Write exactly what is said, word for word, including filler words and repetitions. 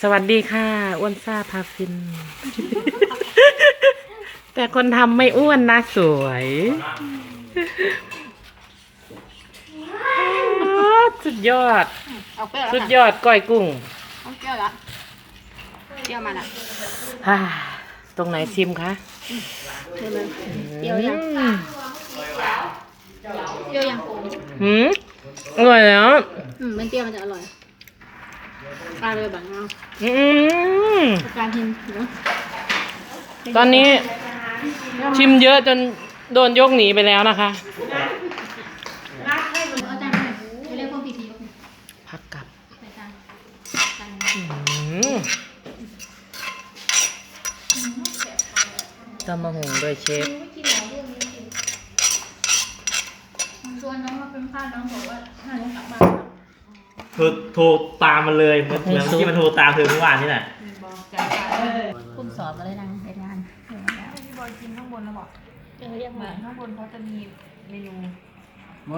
สวัสดีค่ะอ้วนซ่าพาฟิน แต่คนทำไม่อ้วนนะสวยสุดยอดเอาเปรี้ยวแล้วสุดค่ะยอดก้อยกุ้งเอาเปรี้ยวแล้วเปรี้ยวมาละฮ่าตรงไหนชิมคะเดี๋ยวมันเปรี้ยวยังอืมเปรี้ยวยังหืมอร่อยแล้วอืมมันเปรี้ยวมันจะอร่อยปลาเลยแบบนี้อืมการทิมเนาะตอนนี้ชิมเยอะจนโดนยกหนีไปแล้วนะคะเอาจานไปเรียกพวกพีทียกพักกลับใส่จานจานอืมตำมะฮุงด้วยเชฟชวนน้องมาเป็นข้าวน้องบอกว่าถ้าน้องกลับบ้านโทรโทรตามมันเลยเหมือนเหมือนที่มันโทรตามเธอเมื่อวานนี่แหละคุณสอบมาเลยนะในงานพี่บอยกินข้างบนแล้วบอกเออเรียกมาข้างบนเขาจะมีเมนู